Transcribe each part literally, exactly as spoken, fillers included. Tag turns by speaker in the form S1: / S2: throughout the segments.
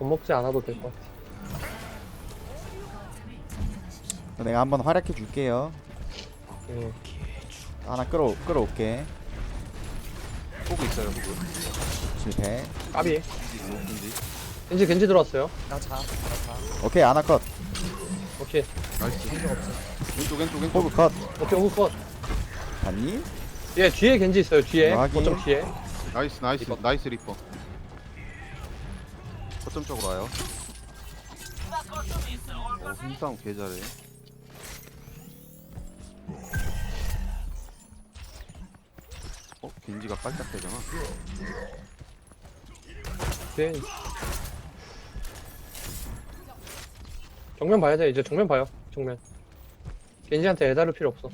S1: 겁먹지 않아도 될 것 같아.
S2: 내가 한번 활약해 줄게요.
S1: 예.
S2: 하나 끌어 끌어올게.
S3: 보고 있어요 보고.
S2: 실패.
S1: 까비.
S3: 겐지.
S1: 겐지 겐지 들어왔어요.
S4: 나자 나자
S2: 오케이 하나 컷.
S1: 오케이.
S3: 나이스.
S4: 생각 없어.
S3: 왼쪽 왼쪽 왼쪽.
S2: 호그 컷.
S1: 오케이 호그 컷.
S2: 봤니?
S1: 예 뒤에 겐지 있어요. 뒤에.
S2: 확인.
S1: 거점 뒤에.
S3: 나이스 나이스
S4: 리퍼.
S3: 나이스 리퍼. 거점 쪽으로 와요. 어, 힘싸움 개 잘해. 어? 겐지가 깔짝대잖아.
S1: 뒤에. 정면 봐야 돼. 이제 정면 봐요. 정면. 겐지한테 애다를 필요 없어.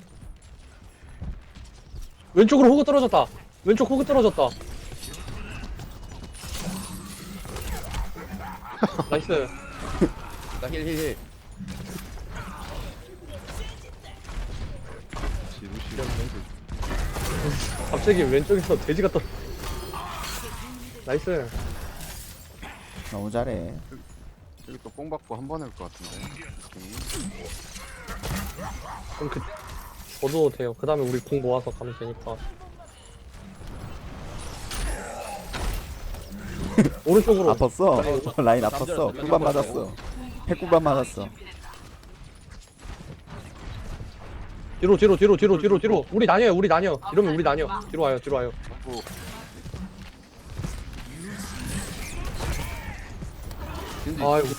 S1: 왼쪽으로 호그 떨어졌다. 왼쪽 호그 떨어졌다. 나이스.
S4: 나힐힐힐
S3: 지루시.
S1: 갑자기 왼쪽에서 돼지가 떠. 나이스.
S2: 너무 잘해.
S3: 여기 또 뽕 받고 한 번 할 것 같은데. 느낌이.
S1: 그럼 그 저도 돼요. 그 다음에 우리 공 모아서 가면 되니까. 오른쪽으로.
S2: 아팠어. 라인 아팠어. 꿀밤 맞았어. 핵꿀밤 맞았어.
S1: 뒤로 뒤로 뒤로 뒤로 뒤로 뒤로. 우리 나뉘어요. 우리 나뉘어. 이러면 우리 나뉘어. 뒤로 와요. 뒤로 와요.
S3: 뭐 겐지.
S1: 아이고.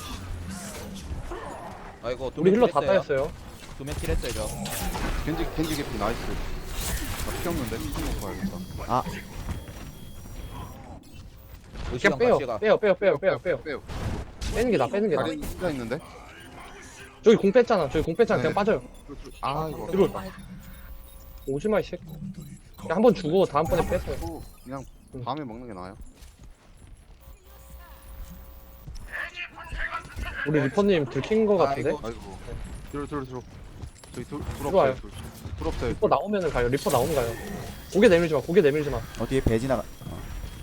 S4: 아이고
S1: 우리 힐러 다 따였어요.
S4: 두명 킬했어요 저.
S3: 겐지 겐지 개피 나이스. 나피 없는데 피 먹고 와야겠다.
S2: 아
S1: 그냥 빼요. 빼요. 빼요. 빼요. 빼요. 빼요.
S3: 빼요.
S1: 빼는 게 나. 빼는 게 나.
S3: 다리 혼자 있는데.
S1: 저기 공 뺐잖아. 저기 공 뺐잖아. 그냥
S3: 네.
S1: 빠져요.
S3: 아 이거.
S1: 뒤로. 오지마 이 새끼. 그냥 한 번 주고 다음번에 뺐어요.
S3: 또 그냥 다음에 먹는 게 나아요.
S1: 우리 리퍼님 들킨 거 같은데?
S4: 아이고.
S3: 아이고. 뒤로 뒤로 뒤로. 저기 둘, 둘
S1: 들어와요.
S3: 없어요. 둘, 둘 없어요.
S1: 리퍼 나오면은 가요. 리퍼 나오면 가요. 고개 내밀지 마. 고개 내밀지 마.
S2: 어디에 배 지나가. 어.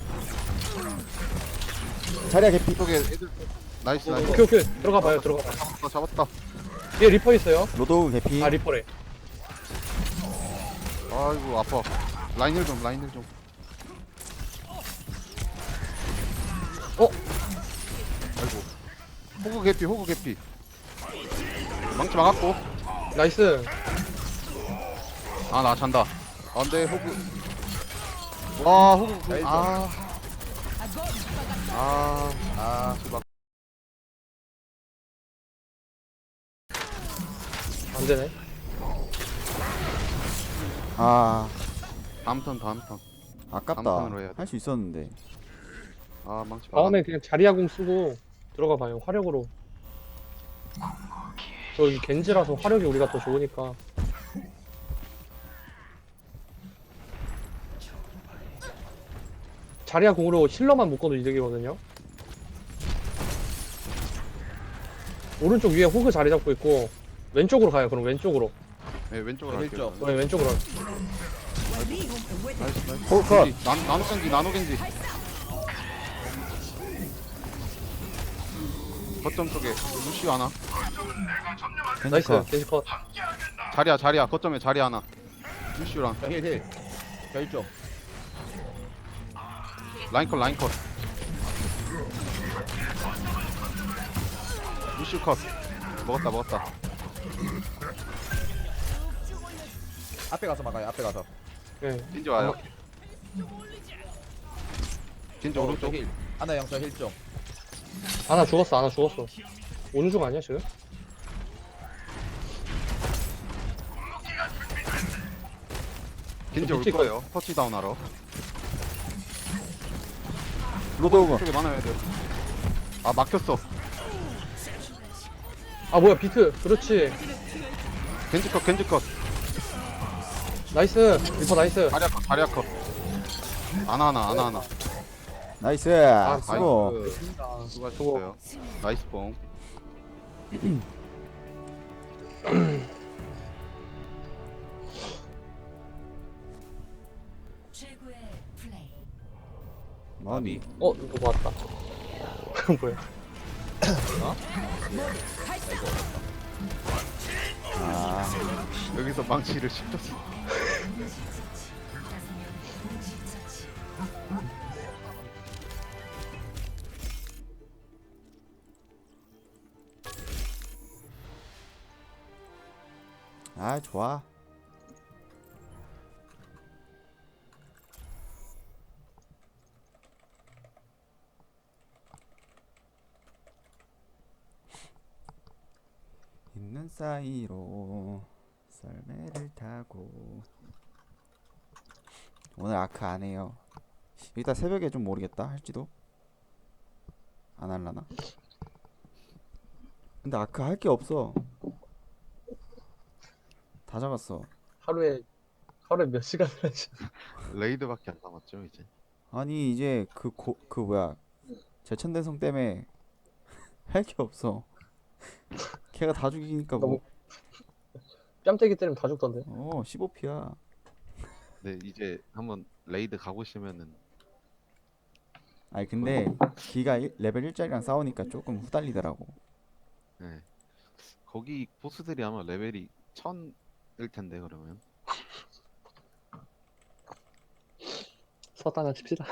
S2: 자리야 개피.
S3: 이쪽에 애들. 나이스 나이스.
S1: 오케이 오케이. 들어가 봐요. 들어가 봐요.
S3: 잡았다 잡았다.
S1: 뒤에 리퍼 있어요.
S2: 로도우 개피.
S1: 아 리퍼래.
S3: 아이고 아파. 라인을 좀 라인을 좀.
S1: 어?
S3: 아이고. 호구 개피 호구 개피. 망치 막았고.
S1: 나이스.
S3: 아 나 잔다. 안돼 호구. 와 호구.
S4: 나이스.
S3: 아. 아. 아. 수박.
S1: 안 되네.
S2: 아
S3: 다음 턴 다음 턴.
S2: 아깝다.
S3: 감탄으로 해야 돼.
S2: 할 수 있었는데.
S3: 아 망치 막았네.
S1: 다음에 그냥 자리야공 쓰고 들어가 봐요. 화력으로. 저기 겐지라서 화력이 우리가 더 좋으니까. 자리야공으로 힐러만 묶어도 이득이거든요. 오른쪽 위에 호그 자리 잡고 있고 왼쪽으로 가요. 그럼 왼쪽으로.
S3: 네 왼쪽으로
S4: 왼쪽.
S3: 할게요.
S1: 네, 왼쪽으로.
S3: 나이스 나이스.
S2: 호그 컷.
S3: 겐지, 나, 나노 겐지 나노 겐지. 거점 쪽에 루시 하나.
S1: 나이스.
S2: 컷.
S1: 겐지 컷.
S3: 자리야 자리야 거점에 자리 하나. 루시랑
S4: 저힐힐 저 일쪽.
S3: 라인 컷 라인 컷. 루시 컷. 먹었다 먹었다.
S4: 앞에 가서 막아요. 앞에 가서.
S1: 네.
S3: 겐지 와요. 겐지 오른쪽.
S4: 힐. 하나 영저 힐 좀.
S1: 하나 죽었어. 하나 죽었어. 오는 중 아니야 지금?
S3: 겐지 올
S1: 밑에
S3: 거예요. 터치다운 하러.
S2: 로도우.
S3: 쪽에 많아야 돼요. 아 막혔어.
S1: 아 뭐야 비트. 그렇지.
S3: 겐지 컷 겐지 컷.
S1: 나이스. 리퍼 나이스.
S3: 자리야 컷 자리야 컷. 하나 하나 하나 하나.
S2: 나이스.
S1: 아,
S2: 수고.
S3: 나이스. 수고하셨어요. 나이스 뽕.
S5: 최고의 플레이.
S2: 마음이.
S1: 어 누구 왔다. 뭐야?
S2: 아
S3: 여기서 망치를 씹혔어.
S2: 아 좋아. 있는 사이로 썰매를 타고. 오늘 아크 안 해요. 이따 새벽에 좀 모르겠다 할지도. 안 할라나? 근데 아크 할 게 없어. 다 잡았어.
S1: 하루에 하루에 몇 시간을 하지?
S3: 레이드밖에 안 남았죠 이제.
S2: 아니 이제 그 고 그 뭐야 제천대성 때문에 할 게 없어. 걔가 다 죽이니까 뭐.
S1: 뺨때기 때리면 다 죽던데.
S2: 어 십오 피야.
S3: 네 이제 한번 레이드 가보시면은
S2: 아니 근데 기가 일- 레벨 일짜리랑 싸우니까 조금 후달리더라고.
S3: 네. 거기 보스들이 아마 레벨이 천일 텐데 그러면.
S1: 서다나 칩시다.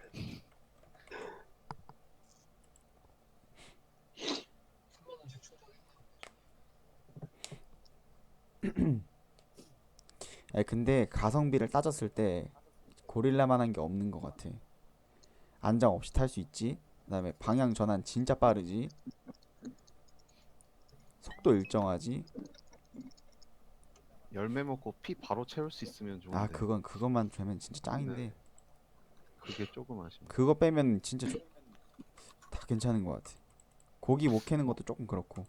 S2: 아니 근데 가성비를 따졌을 때 고릴라만한 게 없는 것 같아. 안장 없이 탈 수 있지. 그다음에 방향 전환 진짜 빠르지. 속도 일정하지.
S3: 열매 먹고 피 바로 채울 수 있으면 좋은데.
S2: 아 그건 그것만 되면 진짜 짱인데
S3: 그게 조금 아쉽네.
S2: 그거 빼면 진짜 조- 다 괜찮은 것 같아. 고기 못 캐는 것도 조금 그렇고.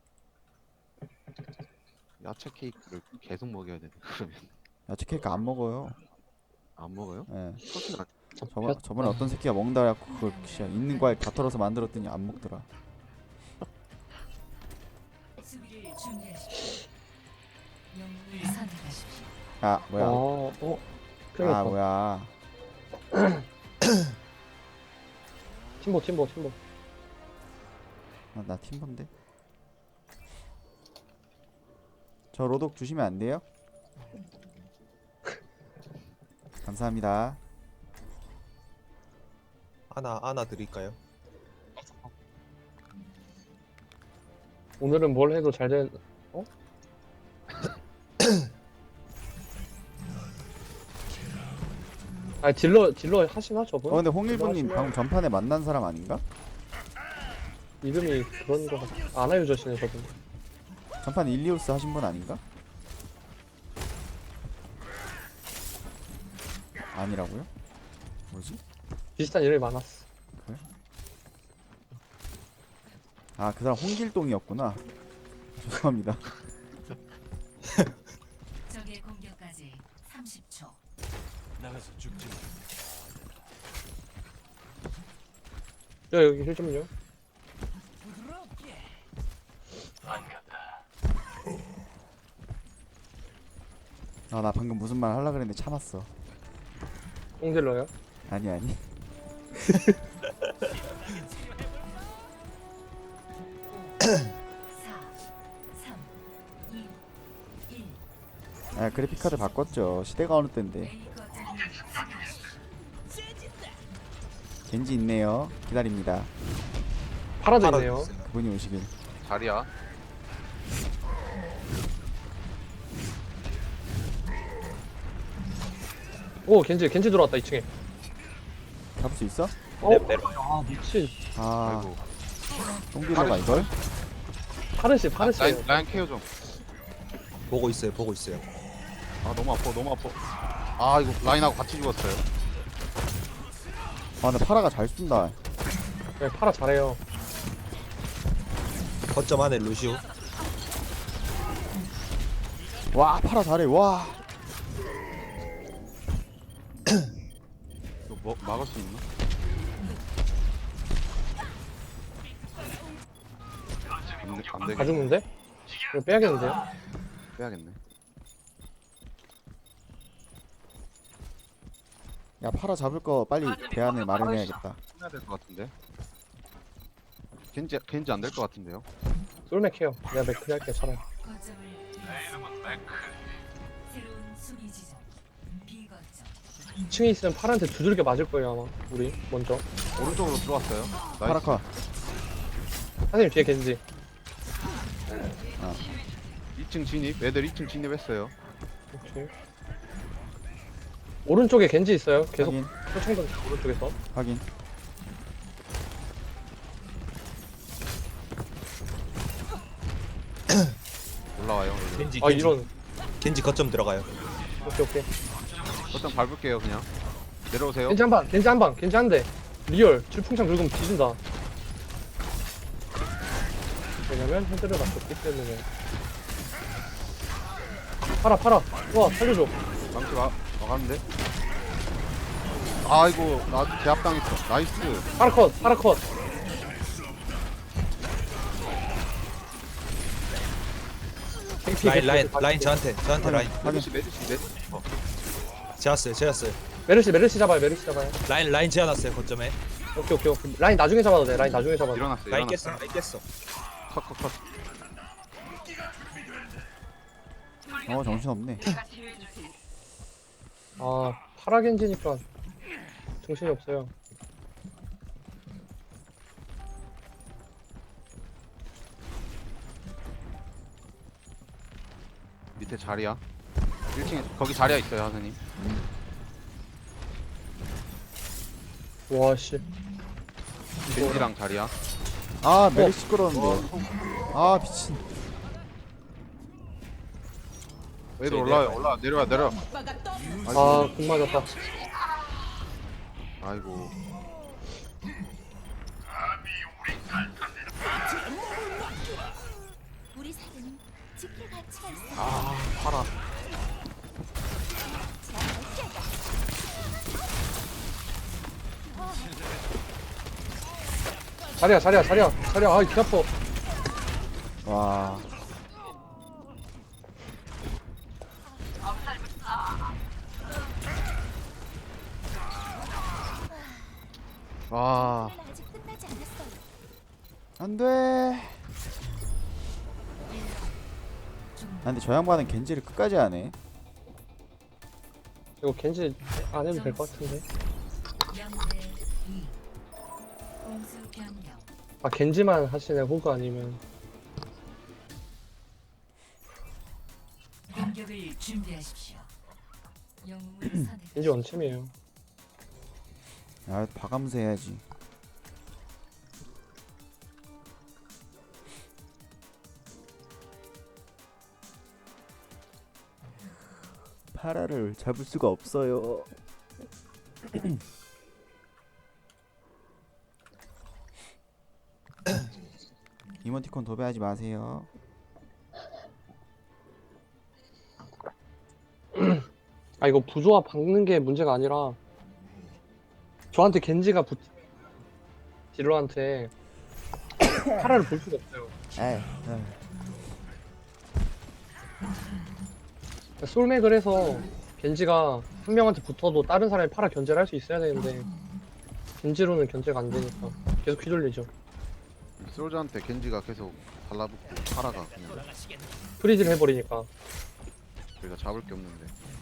S3: 야채 케이크를 계속 먹여야 되네 그러면.
S2: 야채 케이크 안 먹어요.
S3: 안 먹어요?
S2: 예.
S3: 소스는 안.
S2: 저번 저번에 어떤 새끼가 먹는다 해갖고 그걸 진짜 있는 과일 다 털어서 만들었더니 안 먹더라.
S5: 수비를 준비하십시오. 영웅을 선택하십시오.
S2: 아 뭐야?
S1: 어, 어. 큰일
S2: 아
S1: 났다.
S2: 뭐야?
S1: 팀보 팀보 팀보.
S2: 아, 나 팀번데. 저 로독 주시면 안 돼요? 감사합니다.
S6: 하나 하나 드릴까요?
S1: 오늘은 뭘 해도 잘 된. 어? 아 딜러 딜러 하시나 저분?
S2: 어 근데
S1: 딜러
S2: 홍일부님
S1: 하시면
S2: 방금 전판에 만난 사람 아닌가?
S1: 이름이 그런 거 같아. 아나유저시네 저분.
S2: 전판 일리우스 하신 분 아닌가? 아니라고요? 뭐지?
S1: 비슷한 이름이 많았어.
S2: 아 그 사람 홍길동이었구나. 죄송합니다.
S5: 적의 공격까지 삼십 초.
S1: 야 여기 힐 좀요.
S2: 아 나 방금 무슨 말 하려 그랬는데 참았어.
S1: 뽕딜러요?
S2: 아니 아니.
S5: 사, 삼, 이, 일.
S2: 아 그래픽 카드 바꿨죠. 시대가 어느 때인데.
S5: A 거점을
S2: 겐지 있네요. 기다립니다.
S1: 파라도
S6: 파라
S1: 있네요.
S6: 있어요.
S2: 그분이 오시길.
S3: 자리야.
S1: 오 겐지 겐지 들어왔다 이 층에.
S2: 잡을 수 있어?
S1: 어?
S6: 네, 네.
S1: 아 미친.
S2: 아
S3: 아이고.
S2: 똥딜러가 이걸?
S1: 파르시 파르시.
S3: 라인, 라인 케어 좀.
S6: 보고 있어요. 보고 있어요.
S3: 아 너무 아파 너무 아파. 아 이거 라인하고 같이 죽었어요.
S2: 아 근데 파라가 잘 쏜다.
S1: 네, 파라 잘해요.
S6: 거점 안에 루시오.
S2: 와 파라 잘해. 와.
S3: 이거 뭐, 막을 수 있나? 안, 되, 안
S1: 다
S3: 되겠네.
S1: 죽는데? 이거 빼야겠는데요?
S3: 빼야겠네.
S2: 야 파라 잡을 거 빨리 대안을 마련해야겠다.
S3: 해야 될 것 같은데. 겐지 겐지 안 될 것 같은데요.
S1: 솔맥 해요. 내가 맥크리 할게 차라리.
S5: 거점을 잃었습니다. 새로운 수비 지점. 비거점.
S1: 이 층에 있으면 파란테 두들겨 맞을 거예요 아마. 우리 먼저.
S3: 오른쪽으로 들어왔어요. 나이스.
S2: 파라카.
S1: 사장님 뒤에 겐지.
S3: 이 층 진입. 애들 이 층 진입했어요.
S1: 오케이. 오른쪽에 겐지 있어요. 계속
S2: 확인.
S1: 표창던 오른쪽에서.
S2: 확인.
S3: 올라와요. 애들.
S6: 겐지
S1: 아
S6: 겐지
S1: 이런.
S6: 겐지 거점 들어가요.
S1: 오케이 오케이.
S3: 거점 밟을게요 그냥. 내려오세요.
S1: 겐지 한 방. 겐지 한 방. 겐지 한 대. 리얼. 질풍창 긁으면 뒤진다. 왜냐면 헤드를 맞췄기 때문에. 팔아 팔아. 와 살려줘.
S3: 망치 와 와갔는데. 아이고 나 제압당했어. 나이스.
S1: 파라 컷. 파라 컷.
S6: 라인 라인 라인 저한테 저한테 라인.
S3: 메르시 메르시 메르시.
S6: 제았어요 제았어요.
S1: 메르시 메르시 잡아요. 메르시 잡아요.
S6: 라인 라인 제어놨어요 거점에.
S1: 오케이 오케이 오케이. 라인 나중에 잡아도 돼. 라인 나중에 잡아도 돼.
S3: 일어났어.
S6: 라인
S3: 일어났어.
S6: 깼어 라인 깼어.
S3: 컷컷 컷.
S2: 어 정신없네.
S1: 아 파라 겐지니까 정신이 없어요.
S3: 밑에 자리야. 일 층에 거기 자리야 있어요 하선님.
S1: 와씨.
S3: 겐지랑 자리야.
S2: 아 메리 시끄러운데. 아 미친.
S3: 애들
S6: 저희
S3: 올라와요.
S6: 내려가요.
S3: 올라 내려와 내려.
S1: 아, 공 맞았다.
S3: 아이고.
S7: 우리 사회는 지킬 가치가 있어.
S3: 아 파라.
S1: 자리야, 자리야, 자리야, 자리야. 아, 귀 아파.
S2: 와.
S3: 와.
S7: 아직 끝나지 않았어요.
S2: 안돼. 아 근데 저 양반은 겐지를 끝까지 하네.
S1: 이거 겐지 안 해도 될 것 같은데.
S5: 영대 이. 공수 변경.
S1: 아, 겐지만 하시네, 호그 아니면.
S5: 공격을 준비하십시오. 영웅을 선택.
S1: 겐지 원챔이에요.
S2: 아 봐가면서 해야지. 파라를 잡을 수가 없어요. 이모티콘 도배하지 마세요.
S1: 아, 이거 부조화 박는 게 문제가 아니라 저한테 겐지가 붙 딜러한테 파라를 볼 수가 없어요.
S2: 에이, 에이.
S1: 솔맥을 해서 겐지가 한 명한테 붙어도 다른 사람이 파라 견제를 할 수 있어야 되는데 겐지로는 견제가 안 되니까 계속 휘둘리죠.
S3: 솔저한테 겐지가 계속 달라붙고 파라가 그냥
S1: 프리즈를 해버리니까.
S3: 저희가 잡을 게 없는데.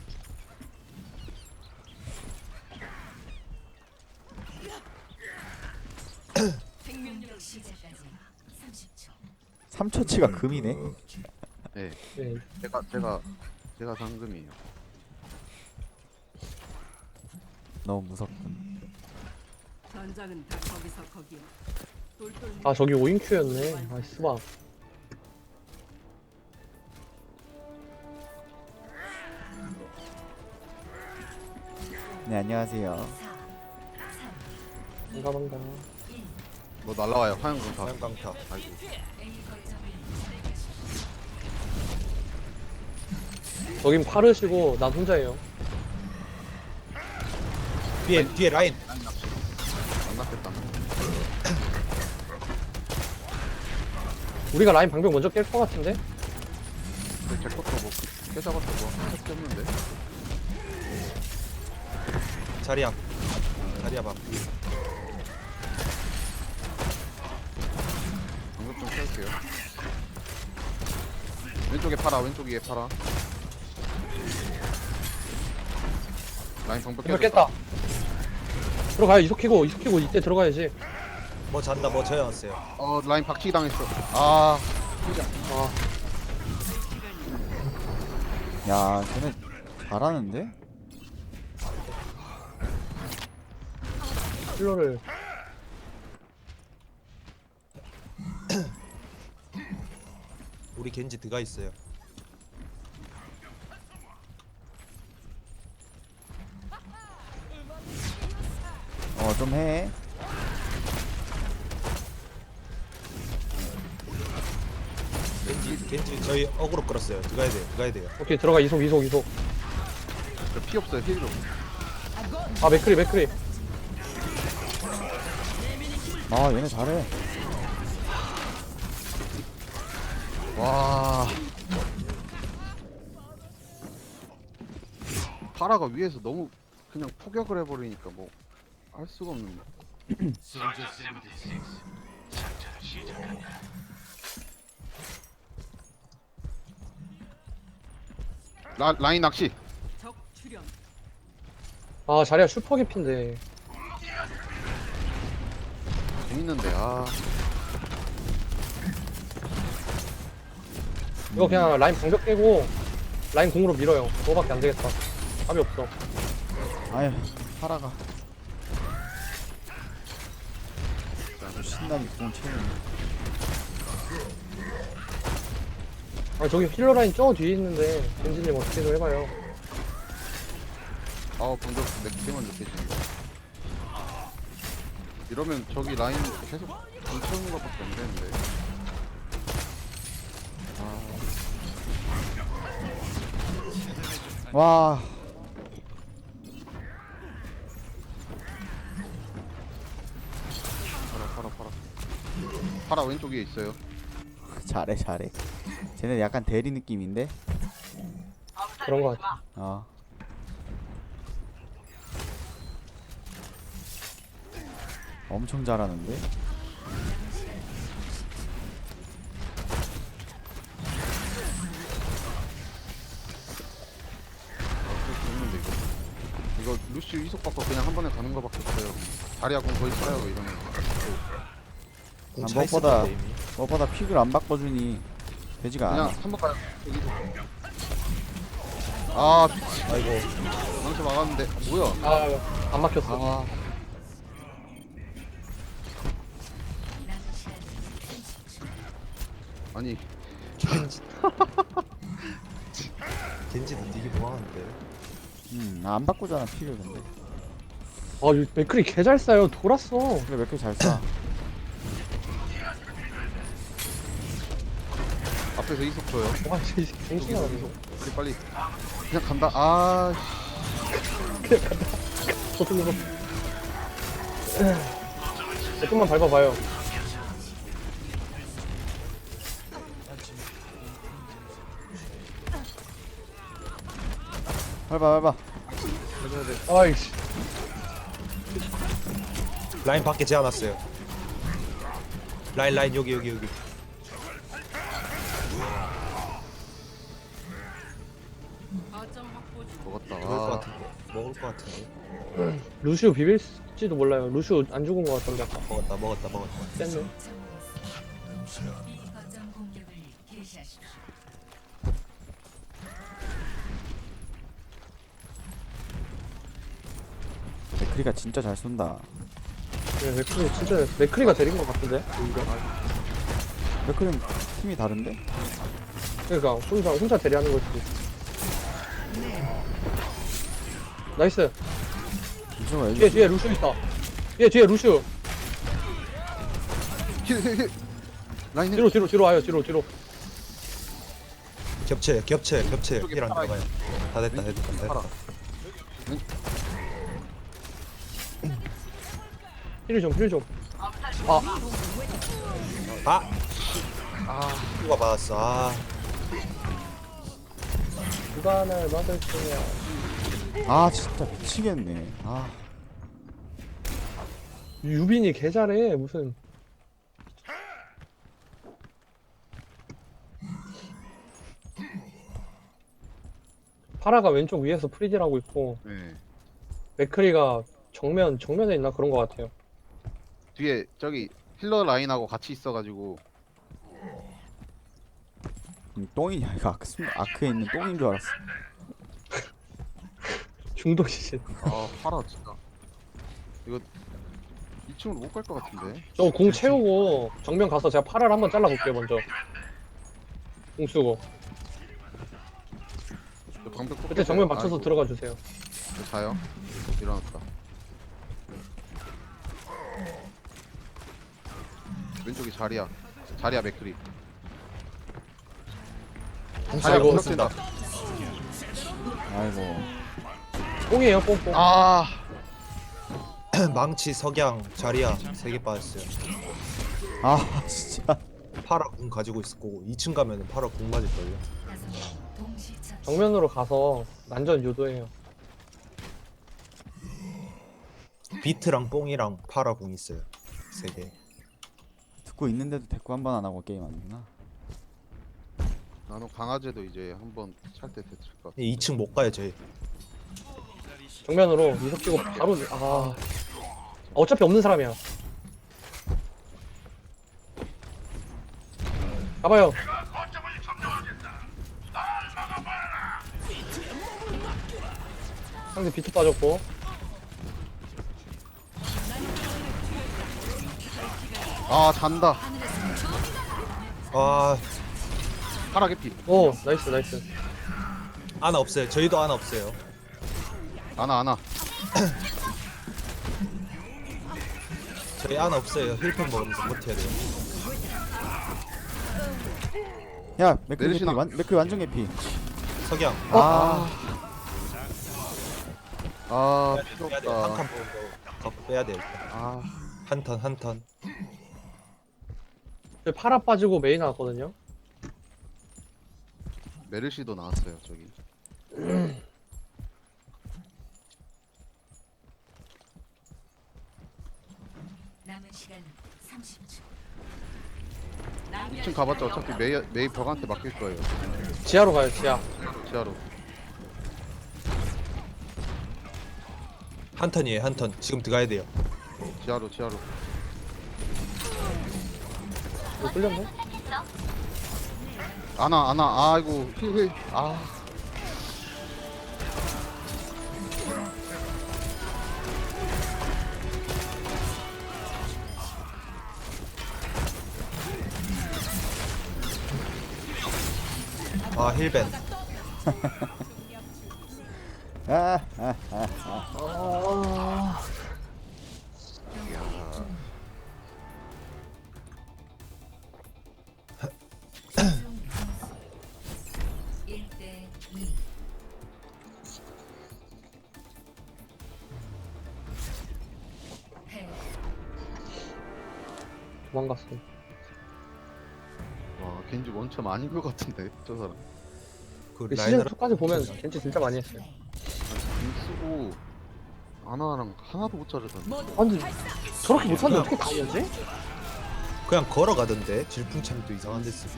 S5: 공격 시작까지 삼십 초.
S2: 삼 초치가 금이네.
S3: 네.
S1: 네.
S3: 제가 제가 제가 상금이에요.
S2: 너무 무섭군.
S8: 전장은 다 거기서 거기야. 똘똘
S1: 아, 저기 오인큐였네. 아, 스바.
S2: 네 안녕하세요.
S5: 사, 삼,
S1: 반가반가.
S5: 일.
S3: 뭐 날라와요. 화염금 다.
S6: 화염강타.
S3: 아이고.
S5: A 거점을 점령하십시오.
S1: 저긴 파르시고 난 혼자예요.
S6: 뒤에 뒤에 라인.
S3: 안 낫겠다.
S1: 우리가 라인 방벽 먼저 깰 것 같은데?
S3: 근데 제 것도 뭐 깨잡았어 뭐 할게 없는데.
S6: 자리야. 자리야 봐.
S3: 갈게요. 왼쪽에 팔아, 왼쪽에 팔아. 라인 방벽
S1: 정말
S3: 깨졌다.
S1: 깼다. 들어가요. 이속키고 이속키고 이때 들어가야지.
S6: 뭐 잔다 뭐 재웠어요.
S3: 어, 라인 박치기 당했어. 아,
S1: 아
S2: 야, 쟤네 잘하는데?
S1: 힐러를
S6: 우리 겐지 드가 있어요.
S2: 어, 좀 해.
S6: 겐지 겐지 저희 어그로 끌었어요. 드가야 돼요. 드가야 돼요.
S1: 오케이 들어가 이속 이속 이속.
S3: 저 피 없어요. 힐 좀.
S1: 아 맥크리 맥크리.
S2: 아, 얘네 잘해.
S3: 와. 파라가 위에서 너무 그냥 포격을 해버리니까 뭐 할 수가 없는데. 라, 라인 낚시.
S8: 적 출현.
S1: 아 자리야 슈퍼 개핀데.
S3: 재밌는데 아.
S1: 이거 그냥 라인 방벽 깨고 라인 공으로 밀어요. 그거밖에 안 되겠다. 답이 없어.
S2: 아휴, 파라가. 신나게 구멍 채우네.
S1: 아 저기 힐러 라인 저 뒤에 있는데 벤지님 어떻게 좀 해봐요.
S3: 아 방금 내 기대만 느껴지는데. 이러면 저기 라인 계속 뭉쳐오는 것밖에 안 되는데.
S2: 와,
S3: 파라 파라 파라. 파라 왼쪽에 있어요.
S2: 잘해, 잘해. 쟤네 약간 대리 느낌인데?
S1: 그런 거 같아.
S2: 어. 엄청 잘하는데?
S3: 재밌는데 이거. 이거 루시 이속 받고 그냥 한 번에 가는 거밖에 없어요. 자리하고 거의 써요 이러면.
S2: 아,
S6: 차 있을
S2: 무엇보다-
S6: 텐데, 이미.
S2: 무엇보다 픽을 안 바꿔주니 되지가
S3: 그냥
S2: 않아.
S3: 한 번 가요. 여기서. 아,
S6: 아이고
S3: 망치 막았는데 뭐야?
S1: 아안 막혔어.
S3: 아, 아니
S6: 겐지 겐지도 되게 뭐하는데.
S2: 음, 안 바꾸잖아, 픽을 근데.
S1: 아 이 맥크리 개 잘 쏴요. 돌았어.
S2: 그래, 몇 개 잘 쏴.
S3: 앞에서 이속 줘요.
S1: 와 진짜 갱신이야.
S3: 빨리 빨리. 그냥 간다. 아,
S1: 저쪽으로. 조금만 밟아봐요.
S2: 밟아, 밟아.
S1: 아이씨.
S6: 라인 밖에 재워놨어요. 라인 라인 여기 여기 여기.
S8: 거점 확보 중.
S3: 먹었다.
S6: 먹을 것
S3: 아,
S6: 같은데. 먹을 것 같은데.
S1: 루시오 비빌지도 몰라요. 루시오 안 죽은 거 같던데 아까.
S6: 먹었다 먹었다 먹었다.
S1: 뺐네.
S5: 이 거점 공격을 개시하십시오.
S2: 맥크리가 진짜 잘 쏜다.
S1: 네, 맥크리 진짜 맥크리가 데린 거 같은데. 오히려.
S2: 맥크리는 팀이 다른데?
S1: 그러니까 혼자 혼자 대리하는 거지. 나이스.
S2: 이정아,
S1: 뒤에 뒤에 루시오 있다. 뒤에 뒤에 루시오.
S3: 힐, 힐, 힐. 라인 힐.
S1: 뒤로 뒤로 뒤로 와요. 뒤로 뒤로.
S6: 겹쳐 겹쳐 겹쳐.
S3: 이쪽에
S6: 힐안
S3: 팔아
S6: 들어가요. 다 됐다 됐다 됐다.
S3: 팔아.
S1: 힐 좀, 힐 좀.
S6: 아. 아 누가 받았어. 아
S1: 누가 날 막을 거냐.
S2: 아, 진짜 미치겠네. 아,
S1: 유빈이 개 잘해. 무슨. 파라가 왼쪽 위에서 프리딜 하고 있고
S3: 네.
S1: 맥크리가 정면 정면에 있나 그런 것 같아요.
S3: 뒤에 저기 힐러 라인하고 같이 있어가지고
S2: 음, 똥이냐 이거 아크, 순- 아크에 있는 똥인 줄 알았어.
S1: 중독이지.
S3: 아 파라 진짜 이거 이 층으로 못 갈 것 같은데.
S1: 저 공 채우고 정면 가서 제가 파라를 한번 잘라볼게요 먼저. 공 쓰고
S3: 저 방벽
S1: 그때 정면
S3: 뽑혀서요.
S1: 맞춰서
S3: 아이고,
S1: 들어가 주세요.
S3: 저 자요? 일어났다. 왼쪽이 자리야. 자리야 맥크리. 자리야
S1: 아이고.
S3: 공격된다.
S2: 아이고.
S1: 뽕이에요 뽕뽕.
S3: 아
S6: 망치, 석양, 자리야 세 개 빠졌어요.
S2: 아 진짜.
S6: 파라 궁 가지고 있을 거고 이 층 가면은 파라 궁 맞을 걸요.
S5: 다섯 명 동시 처치.
S1: 정면으로 가서 난전 유도해요.
S6: 비트랑 뽕이랑 파라 궁 있어요. 세 개.
S2: 듣고 있는데도 대꾸 한 번 안 하고 게임 하는구나.
S3: 나는 강아지도 이제 한번 찰 때 됐을 것 같아.
S6: 이 층 못 가요 저희.
S1: 정면으로 이석 끼고 바로 아 어차피 없는 사람이야. 가봐요. 상대 비트 빠졌고
S3: 아 잔다.
S6: 아
S3: 파라 개피.
S1: 오 나이스 나이스.
S6: 아나 없어요. 저희도 아나 없어요.
S3: 아나 아나.
S6: 저희 아나 없어요. 힐팩 먹으면서 버텨야 돼요.
S2: 야 맥클 개피
S3: 내리시나?
S2: 완 맥클 완전 개피.
S6: 석양.
S2: 아
S3: 아
S6: 빼야
S3: 필요
S6: 돼.
S3: 없다.
S6: 한칸 갖고 빼야 돼 일단.
S3: 아
S6: 한 턴 한 턴.
S1: 저희 파라 빠지고 메인 나왔거든요.
S3: 메르시도 나왔어요 저기.
S5: 남은 시간 삼십 초.
S3: 이 층 가봤자 어차피 메이 메이 벽한테 맡길 거예요.
S1: 지하로 가요 지하.
S3: 지하로.
S6: 한 턴이에요 한 턴. 지금 들어가야 돼요.
S3: 지하로 지하로.
S1: 이거 뚫렸네.
S3: 아나 아나 아이고 힐힐 아.
S6: 아 힐벤.
S2: 아, 아, 아, 아.
S5: 일 대 이. 패.
S1: 도망갔어.
S3: 와 겐지 원점 아닌 것 같은데 저 사람.
S6: 그
S1: 시즌
S6: 라이너를
S1: 이까지 보면 겐지 진짜 많이 했어요.
S3: 공 쓰고 아나랑 하나도 못 자르던데.
S1: 아 근데 저렇게 못하는데 어떻게 다 이겼지?
S6: 그냥 걸어가던데. 질풍참도 이상한 데 쓰고.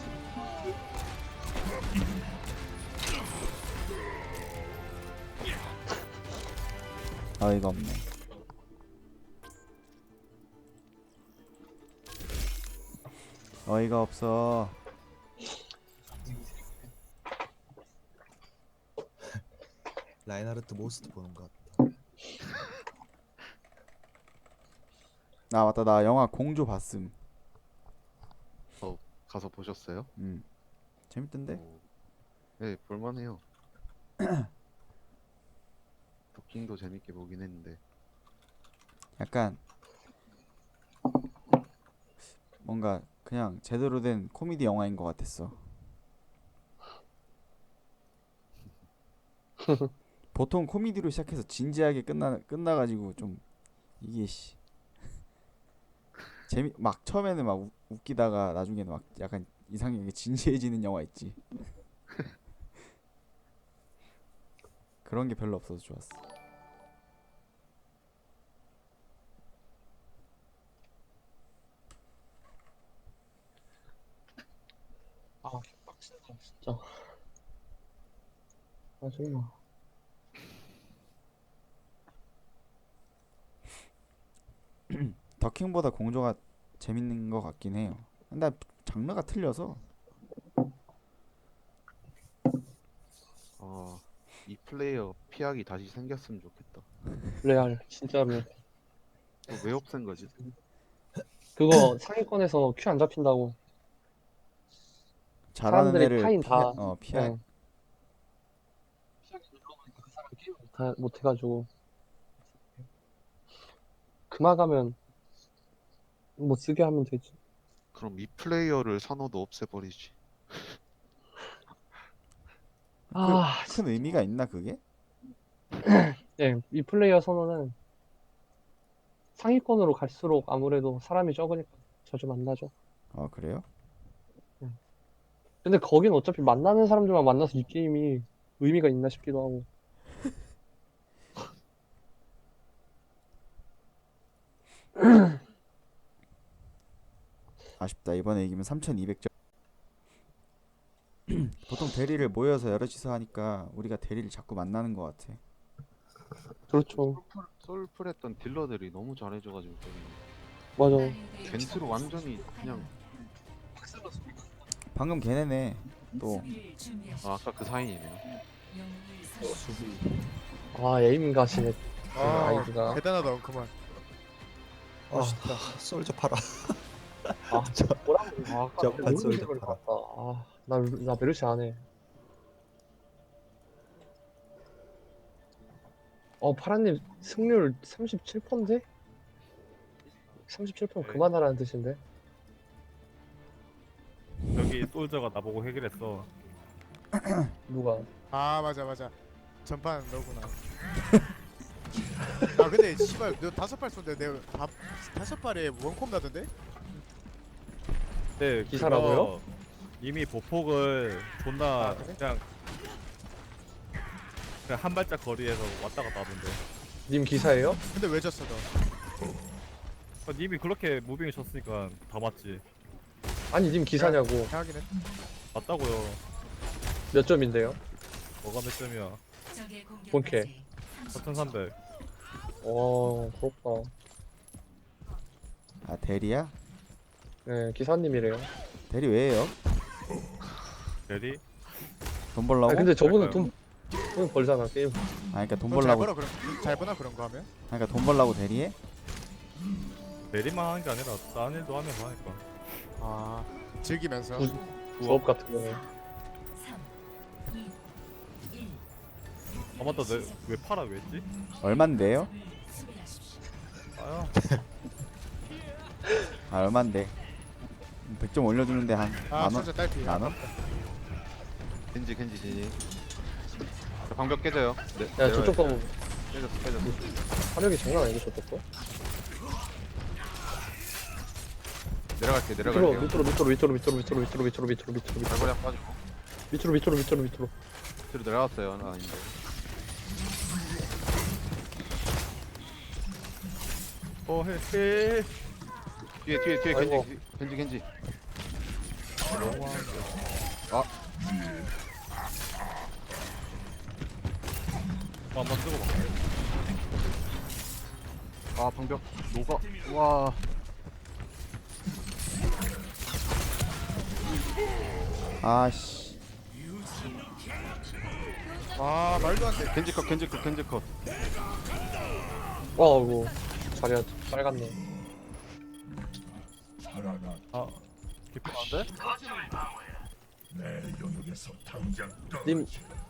S2: 어이가 없네. 어이가 없어.
S6: 라인하르트 모스트 보는 것 같다.
S2: 아 맞다 나 영화 공조 봤음.
S3: 가서 보셨어요?
S2: 음 재밌던데.
S3: 오. 네 볼만해요. 도킹도 재밌게 보긴 했는데.
S2: 약간 뭔가 그냥 제대로 된 코미디 영화인 것 같았어. 보통 코미디로 시작해서 진지하게 끝나 끝나가지고 좀 이게 씨 재미 막 처음에는 막 우, 웃기다가 나중에는 막 약간 이상하게 진지해지는 영화 있지. 그런 게 별로 없어서 좋았어.
S1: 아 빡세다 진짜. 짜증나.
S2: 더킹보다 공조가 재밌는 것 같긴 해요. 근데 장르가 틀려서.
S3: 아, 이 플레이어 피하기 다시 생겼으면 좋겠다.
S1: 레알 진짜로.
S3: 또 왜 없앤 거지?
S1: 그거 상위권에서 큐 안 잡힌다고.
S2: 잘하는
S1: 사람들이
S2: 애를
S1: 타인
S2: 피하,
S1: 다.
S2: 어 피하.
S1: 네. 그 사람 게임 다 못해가지고. 그만가면 못 쓰게 하면 되지.
S3: 그럼 이 플레이어를 선호도 없애버리지.
S1: 아,
S2: 큰 의미가 있나 그게?
S1: 네, 이 플레이어 선호는 상위권으로 갈수록 아무래도 사람이 적으니까 자주 만나죠.
S2: 어 그래요?
S1: 근데 거긴 어차피 만나는 사람들만 만나서 이 게임이 의미가 있나 싶기도 하고.
S2: 아쉽다. 이번에 이기면 삼천이백 점. 보통 대리를 모여서 여럿이서 하니까 우리가 대리를 자꾸 만나는 것 같아.
S1: 그렇죠.
S3: 솔플, 솔플 했던 딜러들이 너무 잘해줘가지고 때문에.
S1: 맞아.
S3: 겐트로 완전히 그냥
S2: 방금 걔네네 또
S5: 수비를 준비하십시오.
S3: 아, 아까 그 사인이네요.
S5: 영웅을 선택.
S1: 아, 에임 가시네.
S9: 아,
S1: 아이디가.
S9: 대단하다 그만.
S6: 아 싫다. 솔저 팔아.
S1: 아, 저 뭐라고. 아, 아까
S6: 점판
S1: 너무
S6: 소리도
S1: 생각을
S6: 봐라.
S1: 봤다. 아, 나, 나 메르시 안 해. 어, 파란님 승률 삼십칠 퍼센트인데? 삼십칠 퍼센트 그만하라는 뜻인데?
S10: 여기 솔저가 나보고 해결했어.
S1: 누가?
S9: 아 맞아 맞아. 전판 너구나. 아 근데 씨발 너 다섯 발 쏜데 내가 다, 다섯 발에 원콤 나던데?
S10: 네,
S1: 기사라고요?
S10: 그거 이미 보폭을 존나
S9: 아, 그래?
S10: 그냥 그냥 한 발짝 거리에서 왔다 갔다 하던데.
S1: 님 기사예요?
S9: 근데 왜 졌어 너?
S10: 아, 님이 그렇게 무빙을 쳤으니까 다 맞지.
S1: 아니, 님 기사냐고.
S9: 하긴 했.
S10: 맞다고요.
S1: 몇 점인데요?
S10: 뭐가 몇 점이야?
S5: 적의 공격까지
S1: 본캐.
S10: 사천삼백.
S1: 와, 부럽다.
S2: 아 대리야?
S1: 네, 기사님이래요.
S2: 대리 왜요?
S10: 대리?
S2: 돈 벌라고?
S1: 아, 근데 저분은 돈, 돈 벌잖아, 게임.
S2: 아 그러니까 돈
S9: 넌잘
S2: 벌라고.
S9: 벌어 그런 잘 버나 그런 거 하면?
S2: 그러니까 돈 벌라고 대리해?
S10: 대리만 하는 게 아니라 다른 일도 하면서 하니까.
S9: 아 즐기면서.
S1: 부, 부업 같은 거는.
S5: 삼, 이, 일.
S10: 아 맞다, 내, 왜 팔아 왜 했지?
S2: 얼만데요?
S5: 수비하십시오.
S10: 아야.
S2: 아 얼만데? 백 점 올려주는데 한
S9: 아
S2: 만원?
S9: 진짜 딸피.
S2: 만원?
S3: 겐지 겐지 겐지. 저 방벽 깨져요. 네,
S1: 야, 저쪽 거
S3: 깨졌어 깨졌어.
S1: 화력이 장난 아니고, 저쪽 거.
S3: 내려갈게
S1: 밑으로,
S3: 내려갈게요.
S1: 밑으로, 밑으로, 밑으로, 밑으로, 밑으로, 밑으로, 밑으로, 밑으로, 밑으로, 밑으로,
S3: 발걸이 빠지고.
S1: 밑으로, 밑으로, 밑으로, 밑으로.
S3: 뒤로 내려갔어요. 나 아닌데.
S10: 어 해. 해.
S3: 뒤에 뒤에 뒤에
S1: 아이고.
S3: 겐지 겐지 겐지.
S10: 어, 한번 쓰고 봐.
S3: 아 방벽 녹아. 와.
S2: 아씨.
S9: 아 말도 안 돼.
S3: 겐지 컷 겐지 컷 겐지 컷.
S1: 와, 이거. 자리가 빨갛네.
S10: 아, 개피한데?
S1: 님,